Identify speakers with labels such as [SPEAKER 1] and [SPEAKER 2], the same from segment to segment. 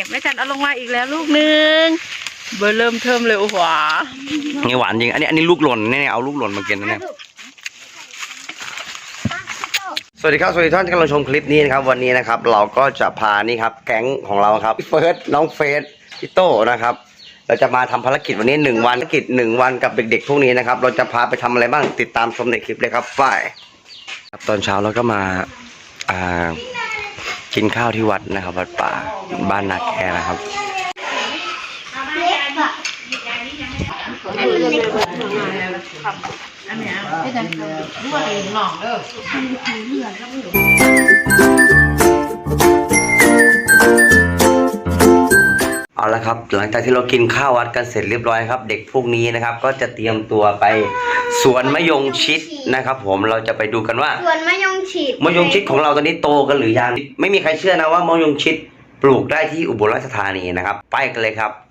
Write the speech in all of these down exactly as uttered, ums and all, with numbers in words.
[SPEAKER 1] แม่จันเอาลงมาอีกแล้วลูกนึงเบอร์เริ่มเทิมเลยโอ้โห
[SPEAKER 2] นี่หวานจริงอันนี้อันนี้ลูกหล่นเนี่ยเอาลูกหล่นมากินนะเนี่ยสวัสดีครับสวัสดีท่านที่กำลังชมคลิปนี้นะครับวันนี้นะครับเราก็จะพานี่ครับแก๊งของเราครับเฟิร์สน้องเฟสพี่โต้นะครับเราจะมาทำภารกิจวันนี้หนึ่งวันภารกิจหนึ่งวันกับเด็กๆพวกนี้นะครับเราจะพาไปทำอะไรบ้างติดตามชมในคลิปเลยครับฝ่ายตอนเช้าเราก็มาอ่ากินข้าวที่วัดนะครับวัดป่าบ้านนาแคนะครับเอาละครับหลังจากที่เรากินข้าววัดกันเสร็จเรียบร้อยครับเด็กพวกนี้นะครับก็จะเตรียมตัวไปสวนมะยงชิดนะครับผมเราจะไปดูกันว่า
[SPEAKER 3] สวนมะยงชิด
[SPEAKER 2] มะยงชิดของเราตอนนี้โตกันหรือยังไม่มีใครเชื่อนะว่ามะยงชิดปลูกได้ที่อุบลราชธานีนะครับไปกันเลยครับ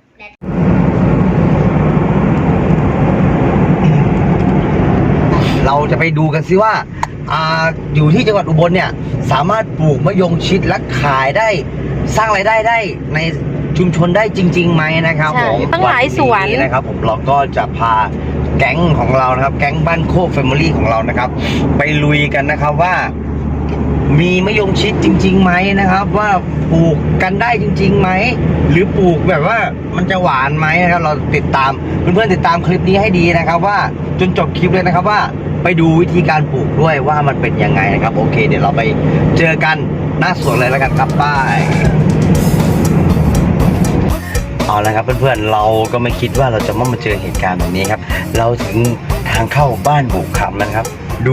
[SPEAKER 2] เราจะไปดูกันซิว่าอ่าอยู่ที่จังหวัดอุบลเนี่ยสามารถปลูกมะยงชิดและขายได้สร้างรายได้ได้ในชุมชนได้จริงๆไหมนะครับผม
[SPEAKER 1] ตั้งหลายสวน
[SPEAKER 2] นะครับผมเราก็จะพาแก๊งของเรานะครับแก๊งบ้านโคกแฟมิลี่ของเรานะครับไปลุยกันนะครับว่ามีมะยงชิดจริงๆไหมนะครับว่าปลูกกันได้จริงๆไหมหรือปลูกแบบว่ามันจะหวานไหมนะครับเราติดตามเพื่อนๆติดตามคลิปนี้ให้ดีนะครับว่าจนจบคลิปเลยนะครับว่าไปดูวิธีการปลูกด้วยว่ามันเป็นยังไงนะครับโอเคเดี๋ยวเราไปเจอกันหน้าสวนเลยแล้วกันครับป้ายเอาละครับเพื่อนๆเราก็ไม่คิดว่าเราจะมาเจอเหตุการณ์แบบนี้ครับเราถึงทางเข้าบ้านบุกคำนะครับดู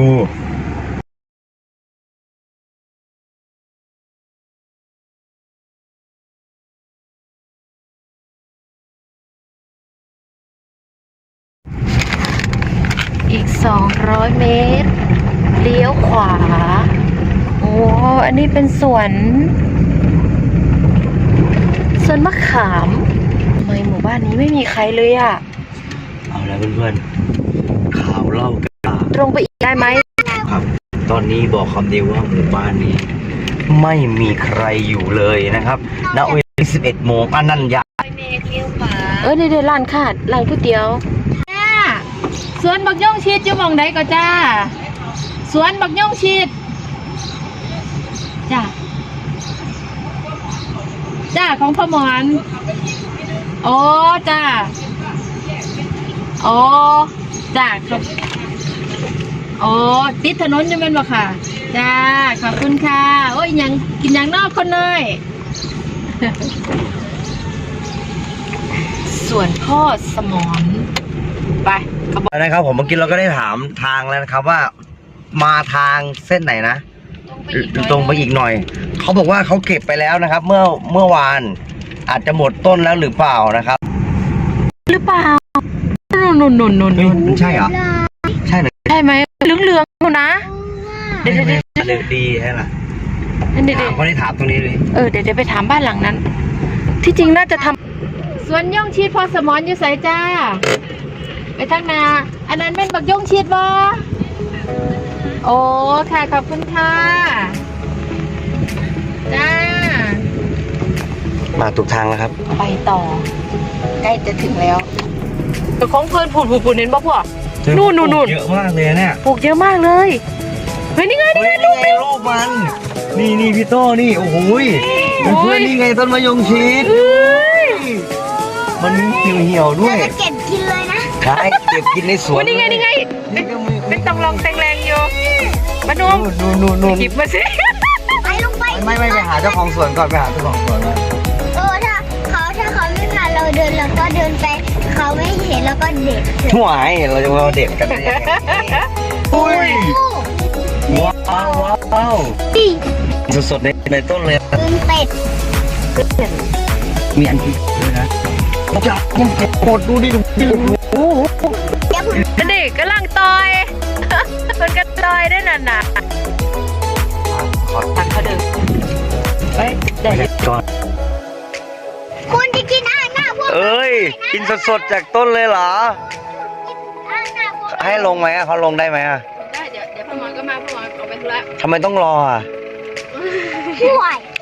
[SPEAKER 1] อีกสองร้อยเมตรเลี้ยวขวาโอ้อันนี้เป็นสวนสวนมะขามทำไมหมู่บ้านนี้ไม่มีใครเลยอ่ะ
[SPEAKER 2] เอาละเพื่อนๆข่าวเล่ากัน
[SPEAKER 1] ตรงไปอีกได้ไหม
[SPEAKER 2] ครับตอนนี้บอกคำเดียวว่าหมู่บ้านนี้ไม่มีใครอยู่เลยนะครับณเวลาสิบเอ็ดโมงอันนั้นยา
[SPEAKER 1] เออเดี๋ยวร้านขาดร้านก๋วยเตี๋ยวสวนบักย่องชีดอยู่มองไหนก็จ้าสวนบักย่องชีดจ้าจ้าของพ่อหมอนโอ้จ้าโอ้จ้าครับโอ้ติดถนนอยู่เป็นบ่ค่ะจ้าขอบคุณค่ะโอ้ยยังกินยังนอกคนเลยส่วนพ่อสมอนไป
[SPEAKER 2] นะครับผมเมื่อกี้เราก็ได้ถามทางแล้วนะครับว่ามาทางเส้นไหนนะตรงไปอีกหน่อยเขาบอกว่าเขาเก็บไปแล้วนะครับเมื่อเมื่อวานอาจจะหมดต้นแล้วหรือเปล่านะครับ
[SPEAKER 1] หรือเปล่านุ่นนุ่นนุ่นนุ่น
[SPEAKER 2] ใช่เหรอใช่เหรอ
[SPEAKER 1] ใช่ไหมเหลืองเหลืองนะ
[SPEAKER 2] เดี๋ยวเดี๋ยวเดี๋ยวดีใช่ไหมเดี๋ยวเขาได้ถามตรงนี้เลย
[SPEAKER 1] เออเดี๋ยวเดี๋ยวไปถามบ้านหลังนั้นที่จริงน่าจะทำสวนย่องชีดพอสมอนอยู่ใส่จ้าไปทางนาอันนั้นเป็นบักย่องชีดบ่โอ้ค่ะขอบคุณค่ะจ้า
[SPEAKER 2] มาถูกทางแล้วครับ
[SPEAKER 1] ไปต่อใกล้จะถึงแล้วแต่ของเพื่อนผูดผูดผูดเน้นบ่พวกนู่นนู่นนู่น
[SPEAKER 2] เยอะมากเลยเนี่ย
[SPEAKER 1] ปลูกเยอะมากเลยเฮ้ยนี่ไงนี่ไงลูก
[SPEAKER 2] นี่ลูกมันนี่นี่พี่โต้นี่โอ้โหเพื่อนนี่ไงต้นมะยงชิดมันเหี่ยวเหี่ยวด้วย
[SPEAKER 3] เก็บกินเลยนะ
[SPEAKER 2] ใช่เก็บกินในสวน
[SPEAKER 1] นี่ไงนี่ไงเป็นต้องลองแตงแรงอยู่มาดู
[SPEAKER 2] นู่นนู่นนู่น
[SPEAKER 1] หยิบมาสิ
[SPEAKER 3] ไปลงไป
[SPEAKER 2] ไม่ไม่ไปหาเจ้าของสวนก่อนไปหาเจ้าของสวน
[SPEAKER 3] เออถ้าเขาถ้าเขาไม่พาเราเดินเราก็เดินไปเขาไม่เห็นเราก็เด็ด
[SPEAKER 2] ห่วยเราจะมาเด็ดกันเนี่ยอุ้ยว้าวว้าวสดๆในในต้นเลย
[SPEAKER 3] เป็นเป็ด
[SPEAKER 2] มีอันที่ด้วยนะจับมันเก็บหมดดูดิดูดิโอ้โห
[SPEAKER 1] เด็กกำลังต่อยมันก็ต่อยได้นานๆขอตังเขาเดินไปเด็ก
[SPEAKER 2] ก่อน
[SPEAKER 3] คุณจะกินอาหารหน้าพวก
[SPEAKER 2] เอ้ยกินสดๆจากต้นเลยเหรอให้ลงไหมอ่ะเขาลงได้ไหมอ่ะ
[SPEAKER 1] ได้เดี๋ยวเดี๋ยวพ่อหมอก็มาพ่อหมอเอาไปธุระ
[SPEAKER 2] ทำไมต้องรออ่ะ
[SPEAKER 3] ห่วยไปทา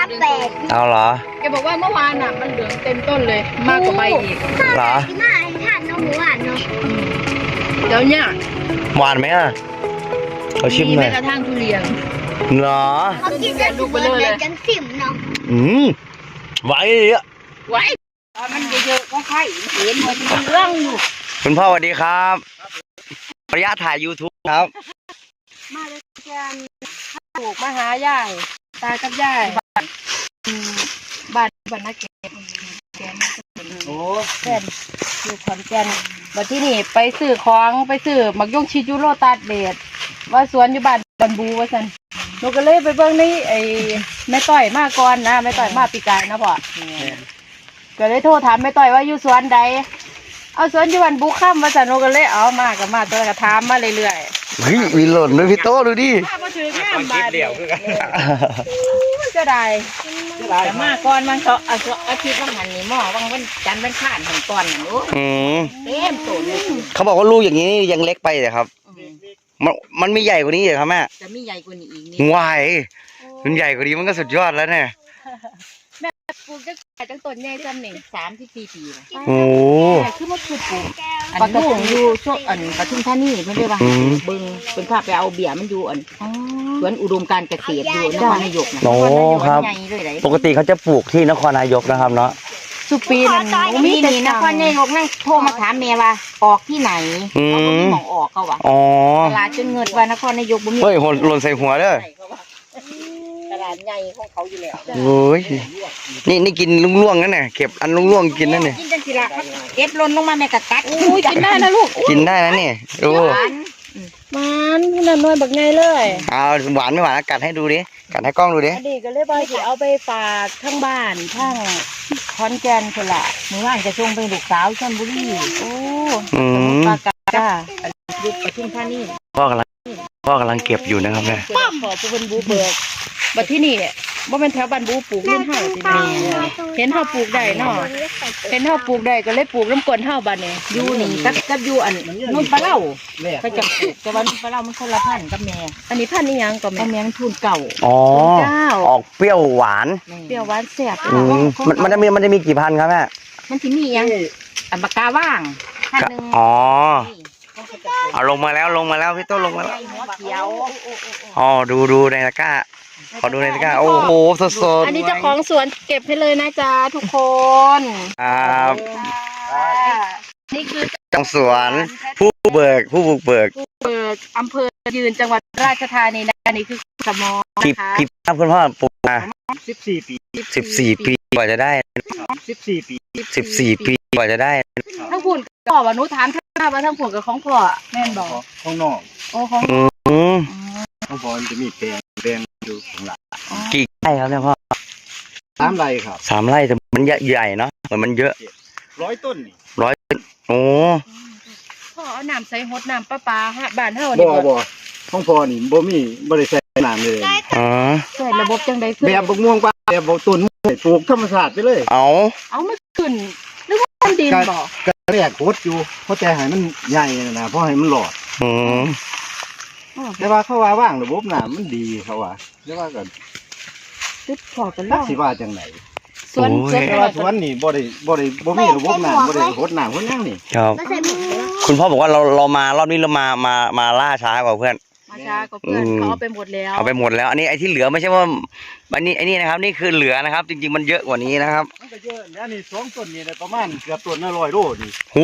[SPEAKER 3] าแปด
[SPEAKER 2] เอาเหรอ
[SPEAKER 1] แกบอกว่าเมื่อวานน่ะมันเหลืองเต็มต้นเลย มากกว่าใบอีก
[SPEAKER 2] เหรอ
[SPEAKER 3] ที่มาให้ทานน้องหมูหวานเนาะ
[SPEAKER 1] เดี๋ยวเนี่ย
[SPEAKER 2] หวานไหมอ่ะเขาชิม
[SPEAKER 1] มี
[SPEAKER 2] หน่
[SPEAKER 1] แม้
[SPEAKER 2] อย
[SPEAKER 1] กระทั่งทุเรียน
[SPEAKER 2] เหรอ
[SPEAKER 3] เขากินจะสุกเลยจังสิมเนาะ
[SPEAKER 2] อืมหวานเลยอ่ะ
[SPEAKER 1] ไว้ตอนมันเยอะๆก็ไข่เห็นมันมีเรื่องอยู่
[SPEAKER 2] คุณพ่อสวัสดีครับระยะถ่าย YouTube ครับ
[SPEAKER 1] มาเลยแกนปลูกมาหายายตากับยายบ้านอืมบ้านบ้านนักเก็บแกน
[SPEAKER 2] โอ้
[SPEAKER 1] แกนอยู่ขอนแก่นวันที่นี่ไปซื้อของไปซื้อหมักย่งชิจูโรตัดเดดว่าสวนอยู่บ้านบันบูว่าสันหนูก็เลยไปเบิ่งในไอ้แม่ต้อยมาก่อนนะแม่ต้อยมาปีกายนะพ่อก็เลยโทรถามแม่ต้อยว่าอยู่สวนใดเอาสวนอยู่บ้านบูข้ามว่าสันหนูก็เลยเอามากับมาตัวก็ถามมาเรื่อยๆ
[SPEAKER 2] เฮ้ยมีหล่นด้วยพี่โต้ดูดิ
[SPEAKER 1] ถ้ามาถึงงามบาดเดียวคือกันมันจะได้แต่มาก่อนมันเขาเอาอาทิตย์วันหันนี่หม้อวังวันจันทร์วันข้านหันก่อนน่ะโอ้
[SPEAKER 2] อืม
[SPEAKER 1] เต็มโตเลย
[SPEAKER 2] เขาบอกว่าลูกอย่างนี้ยังเล็กไปเลยครับ มันมันมีใหญ่กว่านี้เหรอครับแม่
[SPEAKER 1] จะมีใหญ่กว่านี้อีกนี่
[SPEAKER 2] วายมันใหญ่กว่านี้มันก็สุดยอดแล้วเนี่ย
[SPEAKER 1] แม่ปลูกจังจังต้นใหญ่จำนี่สามสิบสี่ปีนะ
[SPEAKER 2] โอ้
[SPEAKER 1] แต่คือมันคือปลูกอันลูกอยู่ช่วงอันปทุมธานีไม่ได้ว่าเบิ่งเป็นภาพไปเอาเบียร์มันอยู่อันสวนอุดมการเกษตรอยู่นครนายกนะ
[SPEAKER 2] โอ้ครับ
[SPEAKER 1] ใหญ่เลยไหน
[SPEAKER 2] ปกติเขาจะปลูกที่นครนายกนะครับเนาะ
[SPEAKER 1] สุปีนั่นมีนี่นครนายกนั่งโทรมาถามเมียว่าออกที่ไหน
[SPEAKER 2] อืม
[SPEAKER 1] เขาก็มีหมองออกเขาว่ะ
[SPEAKER 2] อ๋อ
[SPEAKER 1] ตลาดจนเงินว่านครนายกบ่มี
[SPEAKER 2] เฮ้ยหล่นหล่นใส่หัวเด้อ
[SPEAKER 1] ตลาดใหญ่ของเขาอยู่แล้ว
[SPEAKER 2] โอ้ยนี่นี่กินล่วงๆนั่นน่ะเก็บอันล่วงๆกินนั่นเนี่ย
[SPEAKER 1] กินจังสิละเก็บหล่นลงมาแม่กะกัดอุ้ยกินได้นะลูก
[SPEAKER 2] กินได้นะเนี่ยดู
[SPEAKER 1] มันนั่นน้อยบักไงเลย
[SPEAKER 2] เอาหวานไม่หวานกัดให้ดูดิกัดให้กล้องดูดิ
[SPEAKER 1] อดีก็เลยบอยสิเอาไปฝากทั้งบ้านทั้งขอนแก่นคนละมื้อวานจะส่งไปลูกสาวชลบุรีโอ้
[SPEAKER 2] อืม
[SPEAKER 1] ปากกาลูกปทุมธานี
[SPEAKER 2] พ่อกำลังพ่อกำลังเก็บอยู่นะครับเนี่ย
[SPEAKER 1] ป้อมขอผู้เป็นบูเบิกบัดที่นี่บ่แม่นแถวบ้านบูปลูกรุ่นเฮาสิแม่เห็นเฮาปลูกได้เนาะเห็นเฮาปลูกได้ก็เลยปลูกน้ำกลนเฮาบัดนี้อยู่นี่กับกับอยู่อันนุ่นปลาเล่าก็จะปลูกแต่ว่านุ่นปลาเล่ามันคนละพันธุ์กับแม่อันนี้พันธุ์นี่ยังก็แม่แมงทุนเก่า
[SPEAKER 2] อ๋อ
[SPEAKER 1] เจ้า
[SPEAKER 2] ออกเปรี้ยวหวาน
[SPEAKER 1] เปรี้ยวหวานแซ่บ
[SPEAKER 2] อืมมันมันจะมีมันจะมีกี่พันครับแม่
[SPEAKER 1] มันสิมียังอันปากกาว่างพันหนึง
[SPEAKER 2] อ๋อเอาลงมาแล้วลงมาแล้วพี่โต้ลงมาแล้ว
[SPEAKER 1] หัวเขียว
[SPEAKER 2] อ๋อดูดูในตะกร้าขอดูในตะกร้าโอ้โหสดสด
[SPEAKER 1] อันนี้เจ้าของสวนเก็บให้เลยนะจ๊ะทุกคน
[SPEAKER 2] ครับ
[SPEAKER 1] นี่คือ
[SPEAKER 2] จังสวนผู้เบิกผู้บุกเบิก
[SPEAKER 1] เปิดอำเภอยืนจังหวัดราชธานีนะอันนี้คือสมอ
[SPEAKER 2] กี่
[SPEAKER 1] นะคะ
[SPEAKER 2] กี่ปีครับคุณพ่อปลูกมา
[SPEAKER 4] สิบสี่ปี
[SPEAKER 2] สิบสี่ปีกว่าจะได้
[SPEAKER 4] สิบสี่ปี
[SPEAKER 2] สิบสี่ปีกว่าจะได้
[SPEAKER 1] ทั้งผุ่นพ่อว่าหนูถามท่านว่าทั้งผุ่นกับของพ่อแม่นบอก
[SPEAKER 4] ข้างนอก
[SPEAKER 1] โอ้ของ
[SPEAKER 2] อืม
[SPEAKER 4] ข้างบนจะมีแปลงแปลงอยู่ข้างหลัง
[SPEAKER 2] กี่ไร่ครับเนี่ยพ่อ
[SPEAKER 4] สามไร่ครับ
[SPEAKER 2] สามไร่แต่มันใหญ่ๆเนาะเหมือนมันเยอะ
[SPEAKER 4] ร้อยต้นนี่
[SPEAKER 2] ร้อยโอ้
[SPEAKER 1] พ่อเอาน้ำใส่ฮดน้ำประปาฮะบ้านเฮา
[SPEAKER 4] บ่
[SPEAKER 1] นี่บ่
[SPEAKER 4] บ่ข้างพอนี่บ่มีบ่ได้ใส่น้ำเลย
[SPEAKER 2] อ๋อ
[SPEAKER 1] ใส่ระบบจังได๋ขึ้น
[SPEAKER 4] แบบบกม่วงปลาแบบบกต้นปลูกธรรมชาติไปเลย
[SPEAKER 2] เอา
[SPEAKER 1] เอามาขึ้นหรือว่ามันดินบ่
[SPEAKER 4] ก็แรกโคตรอยู่เพราะแต่ให้มันใหญ่นะเพราะให้มันหลอด
[SPEAKER 2] อืม
[SPEAKER 4] แต่ว่าเขาว่าว่างระบบน้ำมันดีเขาว่าแต่ว่าก็
[SPEAKER 1] ตึ๊ดพ่อกัน
[SPEAKER 4] รั
[SPEAKER 1] แล้
[SPEAKER 4] ก
[SPEAKER 1] ว
[SPEAKER 4] สิว่าจังไหน
[SPEAKER 1] สวนสวน
[SPEAKER 4] แต่ว่าสวนนี่บ่ได้บ่ได้บ่มีระบบน้ำบ่ได้โคตรน้ำโคตรหยังนี่
[SPEAKER 2] ครับ
[SPEAKER 3] ไม่ใช่หมู
[SPEAKER 2] คุณพ่อบอกว่าเราเรามารอบนี้เรามามามาล่าช้ากว่าเพื่อน
[SPEAKER 1] มาช้ากับเพื่อน
[SPEAKER 2] อืม
[SPEAKER 1] เขาเอาไปหมดแล้ว
[SPEAKER 2] เอาไปหมดแล้ว อันนี้ไอ้ที่เหลือไม่ใช่ว่าอันนี้ไอ้นี่นะครับ นี่คือเหลือนะครับ จริงๆมันเยอะกว่านี้นะครับ
[SPEAKER 4] มันก็เยอะแล้วนี่สองต้นนี่ได้ประมาณเกือบต้นละร้อยโลนี่
[SPEAKER 2] หู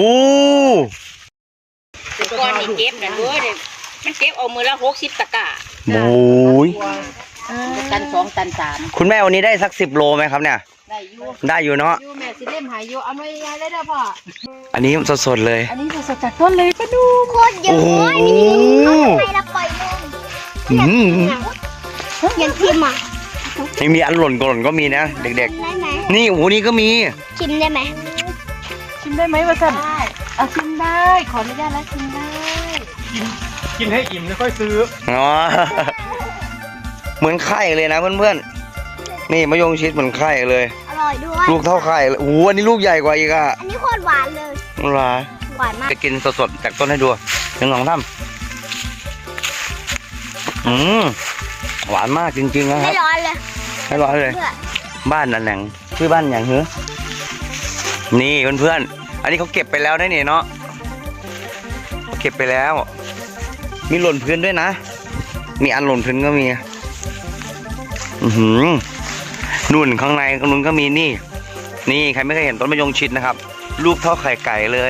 [SPEAKER 1] ก้อนนี่เก็บนะเว้ยมันเก็บเอามือละหกสิบตะกร้า
[SPEAKER 2] โอ้ย
[SPEAKER 1] ตันสองตันสาม
[SPEAKER 2] คุณแม่วันนี้ได้สักสิบโลไหมครับเนี่ย
[SPEAKER 1] ได้อยู่
[SPEAKER 2] ได้อยู่เนาะ
[SPEAKER 1] อยู่แม่สิเล่มหายอยู่เอาไม่ยายได้เด้อพ่อ
[SPEAKER 2] อันนี้สดๆเลย
[SPEAKER 1] อันนี้สดๆจากต้นเลยปะดู
[SPEAKER 3] โคตรเยอะ
[SPEAKER 2] โอ้โห
[SPEAKER 3] เขาทำไมเราปล่อยลง
[SPEAKER 2] อืม
[SPEAKER 3] ยันทิมอ่ะ
[SPEAKER 2] ไม่มีอันหล่นก็หล่นก็มีนะเด็ก
[SPEAKER 3] ได้ไหม
[SPEAKER 2] ๆ นี่โอ้โหนี่ก็มี
[SPEAKER 3] ชิมได้ไหม
[SPEAKER 1] ชิมได้ไหมวะสันเอาชิมได้ขออนุญาตแล้วชิมได้
[SPEAKER 4] กินให้อิ่มแล้วค่อยซื้อ
[SPEAKER 2] อ๋อ เหมือนไข่เลยนะเพื่อนๆ นี่มะยงชิดเหมือนไข่เลย
[SPEAKER 3] อร่อยด้วย
[SPEAKER 2] ลูกเท่าไข่เลยโอ้โหอันนี้ลูกใหญ่กว่าอีกอ่ะ
[SPEAKER 3] อันนี้โคตรหวานเลย
[SPEAKER 2] อะไร
[SPEAKER 3] หวานมาก
[SPEAKER 2] จะกินสดๆจากต้นให้ดูหนึ่งสองสามอืมหวานมากจริงๆนะค
[SPEAKER 3] ไม่
[SPEAKER 2] รับ
[SPEAKER 3] ร้อนเลย
[SPEAKER 2] ให้ร้อยเลย
[SPEAKER 3] เพื่อ
[SPEAKER 2] บ้านนั่นแหละชื่อบ้านอย่างเหรอนี่เพื่อนๆอันนี้เขาเก็บไปแล้วได้เนี่ยเนาะเก็บไปแล้ว มีหล่นพื้นด้วยนะมีอันหล่นพื้นก็มีอือหือนุ่นข้างในข้างนู้นก็มีนี่นี่ใครไม่เคยเห็นต้นมะยงชิดนะครับลูกเท่าไข่ไก่เลย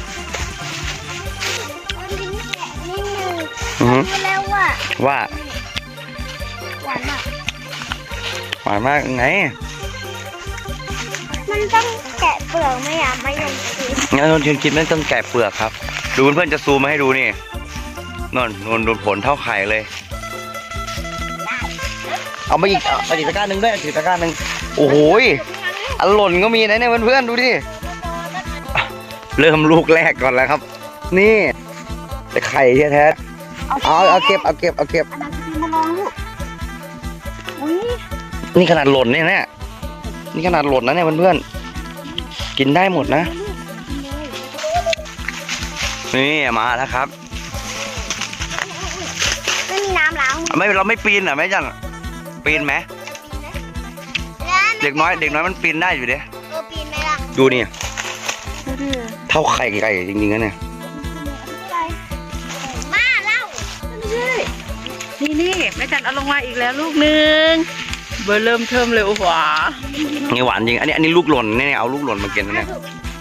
[SPEAKER 3] มันลิ้นแกะนิดนึง
[SPEAKER 2] อือหือ
[SPEAKER 3] รู้แล้วว่า
[SPEAKER 2] ว่า
[SPEAKER 3] หวานมาก
[SPEAKER 2] หวานมากไง
[SPEAKER 3] มันต้องแกะเปลือกไหมอ่ะมะยงชิด
[SPEAKER 2] งั้นต้นชินคิดไม่ต้องแกะเปลือกครับดูเพื่อนๆจะซูมมาให้ดูนี่นนนนดูผลเท่าไข่เลยเอามาอีกเอามาอีกตะกร้าหนึ่งด้วยอีกตะกร้าหนึ่งโอ้โหยอันหล่นก็มีนะเนี่ยเพื่อนๆดูดิเริ่มลูกแรกก่อนแล้วครับ นี่แต่ไข่แท้ๆเอาเอาเก็บเอาเก็บเอาเก็บ
[SPEAKER 3] อันนั้นคือมาลองลูกอุ้ย
[SPEAKER 2] นี่ขนาดหล่นเนี่ยเนี่ยนี่ขนาดหล่นนะเนี่ยเพื่อนๆกินได้หมดนะนี่มาแล้วครับ
[SPEAKER 3] ไม่มีน้ำล้างมือ
[SPEAKER 2] ไม่เราไม่ปีนเหรอแม่จันปีนไหมเด็กน้อยเด็กน้อยมันปีนได้อยู่เด้
[SPEAKER 3] เออปีนไหมล่ะ
[SPEAKER 2] ดูนี่เท่าไข่ไก่จริงๆนะเนี่ย
[SPEAKER 3] มาเล่า
[SPEAKER 1] นี่นี่แม่จันเอาลงมาอีกแล้วลูกหนึ่งเบอร์เริ่มเทิมเลยโอ้โห
[SPEAKER 2] นี่หวานจริงอันนี้อันนี้ลูกหล่นเนี่ยเอาลูกหล่นมากินนะเนี่ย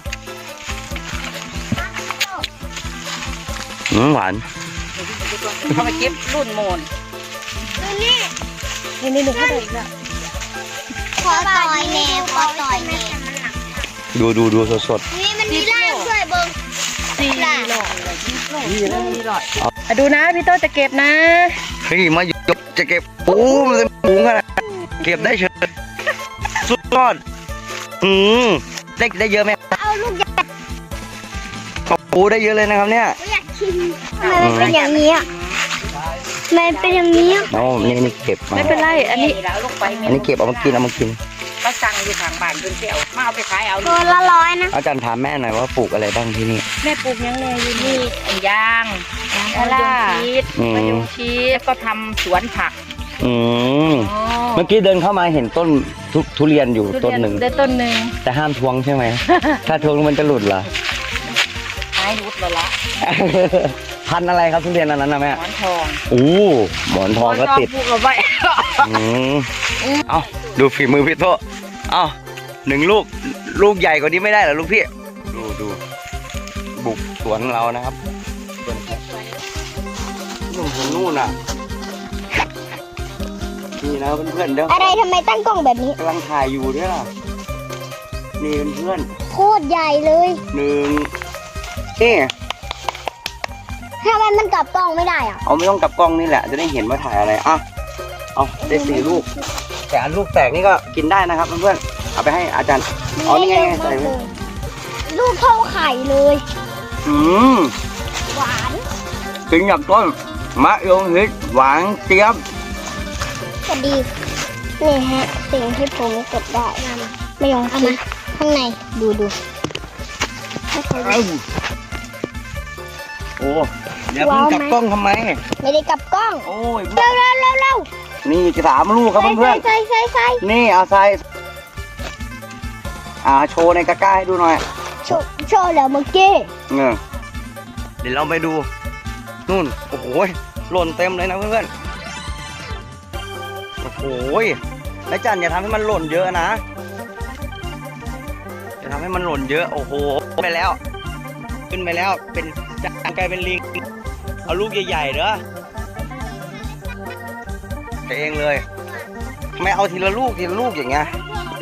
[SPEAKER 2] อืมหวาน
[SPEAKER 1] เขาไปเก็บรุ่นโมน
[SPEAKER 3] ดูนี่
[SPEAKER 1] นี่นี่หนูเข้าไปอีกแล้ว
[SPEAKER 3] ขอต่อยแน่ขอต่อยแน่
[SPEAKER 2] ดูดูดูสด
[SPEAKER 3] นี่มันมีล่างด้วยเบิ้ง
[SPEAKER 1] สี่หลอดเลยสี่หลอดสี่หลอดอ่ะดูนะพี่โตจะเก็บนะ
[SPEAKER 2] ๆเฮ้ยมายกจะเก็บโอ้มันเป็นปุ๋งอะเก็บได้เฉยสุดยอดอืมได้ได้เยอะไหม
[SPEAKER 3] เอาลูกใหญ่
[SPEAKER 2] โอ้โหได้เยอะเลยนะครับเนี่ย
[SPEAKER 3] อยากชิมทำไมมันเป็นอย่างนี้อ่ะทำไมเป็นอย่างนี้อ่ะ
[SPEAKER 2] โอ้นี่นี่เก็บมา
[SPEAKER 1] ไม่เป็นไรอันนี้
[SPEAKER 2] อันนี้เก็บเอามากินเอามากิน
[SPEAKER 1] ก็สั่งอยู่ทางบ้านเพิ่นไปเอามาเอาไปขายเอา
[SPEAKER 3] ตัวละร้อยนะ
[SPEAKER 2] อาจารย์ถามแม่หน่อยว่าปลูกอะไรบ้างที่นี่
[SPEAKER 1] แม่ปลูกยังไงอยู่นี่ไอ้ยางยางมะยงชิด
[SPEAKER 2] อืม
[SPEAKER 1] มะยงชิดแล้วก็ทำสวนผัก
[SPEAKER 2] อืม
[SPEAKER 1] อ๋อ
[SPEAKER 2] เมื่อกี้เดินเข้ามาเห็นต้นทุทุเรียนอยู่ต้นหนึ่ง
[SPEAKER 1] ได้ต้นหนึ่ง
[SPEAKER 2] แต่ห้ามทวงใช่ไหม ถ้าทวงมันจะหลุดเหรอ
[SPEAKER 1] หายรุดแล้วละ
[SPEAKER 2] พันธุ์อะไรครับทุเรียนอันนั้นนะแม่
[SPEAKER 1] หมอนทอง
[SPEAKER 2] อู้หมอนทองก็ติด
[SPEAKER 1] ปลูกเอาไว้
[SPEAKER 2] อืมเอาดูฝีมือพี่โตเอาหนึ่งลูกลูกใหญ่กว่านี้ไม่ได้เหรอลูกพี่ ดูดูบุกสวนเรานะครับสวนนู่นถึงนู่นน่ะนี่นะเพื่อนๆเดี๋ยว
[SPEAKER 3] อะไรทำไมตั้งกล้องแบบนี้
[SPEAKER 2] กำลังถ่ายอยู่ด้วยล่ะนี่เพื่อน
[SPEAKER 3] โคตรใหญ่เลย
[SPEAKER 2] ๆหนึ่งนี่
[SPEAKER 3] ทำไมมันกลับกล้องไม่ได้อ่ะ
[SPEAKER 2] เอาไม่ต้องกลับกล้องนี่แหละ จะได้เห็นว่าถ่ายอะไรอ่ะเอาได้สี่ลูก แต่อันลูกแตกนี่ก็กินได้นะครับเพื่อนๆเอาไปให้อาจารย์อ๋อนี่ไงใส่ไว้
[SPEAKER 3] ลูกเท่าไข่เลย
[SPEAKER 2] อืม
[SPEAKER 3] หวาน
[SPEAKER 2] กินจากต้นมะยงชิดหวานเจี๊ยบ
[SPEAKER 3] ก็ดีนี่ฮะ สิ่งที่ผมเก็บได้ไม่ยอมคิดข้างในดูดูให้เขาดู
[SPEAKER 2] เอ้าโอ้เดี๋ยวเพิ่งกลับกล้องทำไม
[SPEAKER 3] ไม่ได้กลับกล้อง
[SPEAKER 2] โอ้ย
[SPEAKER 3] เร็วเร็วเร็วเร็ว
[SPEAKER 2] นี่สามลูกครับเพื่อน
[SPEAKER 3] ใส่ใส่ใส่
[SPEAKER 2] ๆนี่เอาใส่อ่าโชว์ในกระก้าให้ดูหน่อย
[SPEAKER 3] โชว์โชว์แล้วเมื่อกี้
[SPEAKER 2] เออเดี๋ยวเราไปดูนู่นโอ้โหหล่นเต็มเลยนะเพื่อนๆโอ้โหนายจันอย่าทำให้มันหล่นเยอะนะอย่าทำให้มันหล่นเยอะโอ้โหไปแล้ว ขึ้นไปแล้วเป็นจานกลายเป็นลิงเอาลูกใหญ่ๆเด้อไปเองเลยทำไมเอาทีละลูกทีละลูกอย่างเงี้ย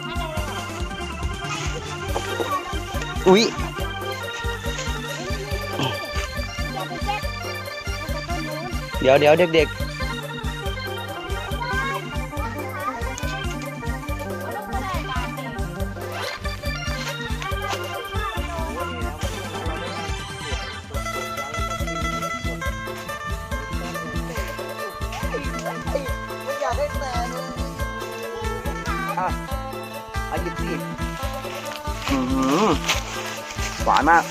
[SPEAKER 2] อุ๊ยเดี๋ยวเดี๋ยวเด็กๆอ่ะเอาหยิบสิอื้อหือหวานมาก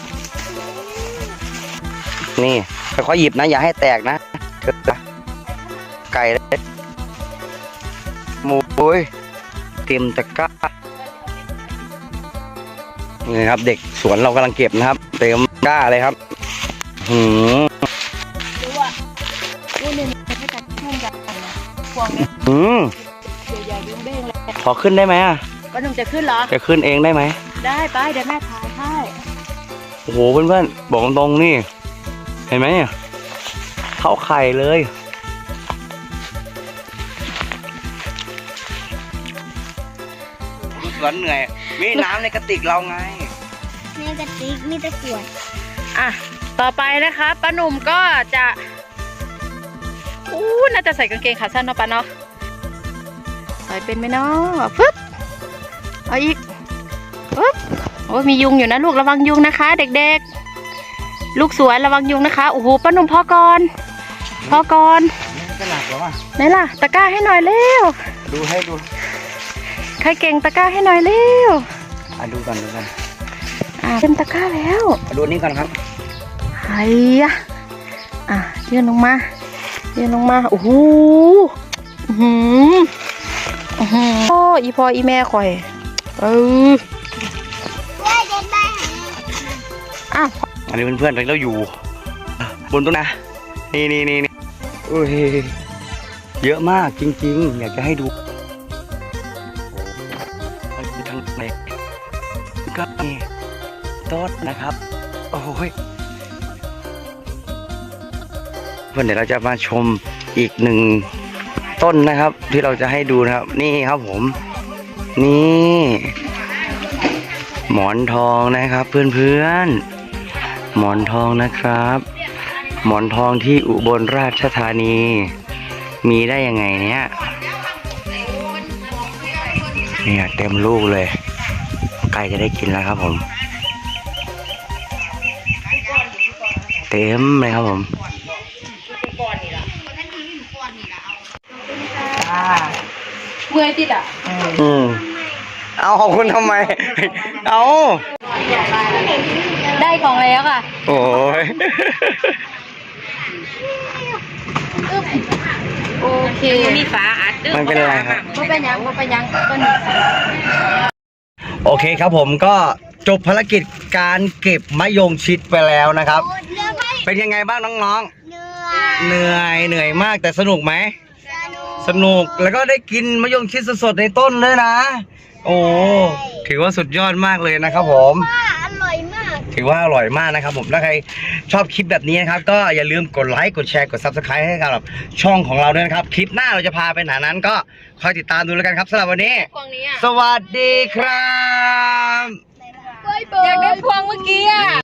[SPEAKER 2] นี่ค่อยๆหยิบนะอย่าให้แตกนะไก่หมูโอ้ยเต็มตะกร้านี่ครับเด็กสวนเรากำลังเก็บนะครับเต็มตะกร้าเลยครับหืม
[SPEAKER 1] ดูอ่ะดูเนี่ยไม่จัดช่วงใหญ่นะพวงเนี่ย
[SPEAKER 2] อืม
[SPEAKER 1] ใหญ่ๆยุ่งเด้งเลย
[SPEAKER 2] ขอขึ้นได้ไหมอ่ะ
[SPEAKER 1] ป้าหนุ่มจะขึ้นเหรอ
[SPEAKER 2] จะขึ้นเองได้ไหม
[SPEAKER 1] ได้ไปเดี๋ยวแม่ถ่ายให้
[SPEAKER 2] โอ้โหเพื่อนๆบอกตรงๆนี่เห็นไหมเนี่ยเข้าไข่เลยดูสวนเหนื่อยมีน้ำในกระติกเราไง
[SPEAKER 3] ในกระติกมีตะกรวด
[SPEAKER 1] อ่ะต่อไปนะคะป้าหนุ่มก็จะอู้น่าจะใส่กางเกงขาสั้นเนาะป้าเนาะใส่เป็นไหมเนาะฟึบเอาอีกฟึบโอ้ยมียุงอยู่นะลูกระวังยุงนะคะ เด็กๆ ลูกสวนระวังยุงนะคะโอ้โหป้าหนุ่มพอก่อนพอก่อน
[SPEAKER 2] ก็หนักแล้วอ่ะ
[SPEAKER 1] ไหนล่ะตะกร้าให้หน่อยเร็ว
[SPEAKER 2] ดูให้ดู
[SPEAKER 1] ใครเก่งตะกร้าให้หน่อยเร็ว
[SPEAKER 2] อ่ะดูกันดูกัน
[SPEAKER 1] อ่ะเต็มตะกร้าแล้ว
[SPEAKER 2] ดูนี่ก่อนครับ
[SPEAKER 1] ไอ้ยะอ่ะยื่นลงมายื่นลงมาโอ้โหอื้อหืออื้อหือโอ้อีพออีแม่ข่อยเออ
[SPEAKER 3] ว่าจะได้
[SPEAKER 1] อ้าว
[SPEAKER 2] อันนี้เพื่อนๆเราอยู่บนต้นนะนี่นี่นี่นี่โอ้ยเยอะมากจริงๆอยากจะให้ดูมันคือทางไหนก็มีต้นนะครับโอ้ยเพื่อนเดี๋ยวเราจะมาชมอีกหนึ่งต้นนะครับ ที่เราจะให้ดูนะครับ นี่ครับผม นี่หมอนทองนะครับเพื่อนๆหมอนทองนะครับ หมอนทองที่อุบลราชธานีมีได้ยังไงเนี่ยเนี่ยเต็มลูกเลยใกล้จะได้กินแล้วครับผมเต็มเลยครับผม
[SPEAKER 1] เมื่อยติดอ่ะ
[SPEAKER 2] อืมเอาของคุณทำไม เอา
[SPEAKER 1] ได้ของแล้วค่ะ
[SPEAKER 2] โอ้ย
[SPEAKER 1] โอเคมีฝาอัด
[SPEAKER 2] มันเป็นอะไรครับ
[SPEAKER 1] ก็เป็นยังก็เป็นยังต้นนี้
[SPEAKER 2] โอเคครับผมก็จบภารกิจการเก็บมะยงชิดไปแล้วนะครับ
[SPEAKER 3] โอ้เรือไม่
[SPEAKER 2] เป็นยังไงบ้างน้อง
[SPEAKER 3] เหนื่อย
[SPEAKER 2] ๆ เหนื่อยเหนื่อยมากแต่สนุกไหม
[SPEAKER 3] สนุก
[SPEAKER 2] สนุกแล้วก็ได้กินมะยงชิดสดๆในต้นเลยนะ โอ้ถือว่าสุดยอดมากเลยนะครับผม
[SPEAKER 3] ว่าอร่อยมาก
[SPEAKER 2] ถือว่าอร่อยมากนะครับผมถ้าใครชอบคลิปแบบนี้นะครับก็อย่าลืมกดไลค์กดแชร์กด ซับสไครบ์ ให้กับช่องของเราด้วยนะครับคลิปหน้าเราจะพาไปไหนนั้นก็คอยติดตามดูแล้วกันครับสำหรับวันนี้
[SPEAKER 1] กล่องนี้อ่ะ
[SPEAKER 2] สวัสดีครับ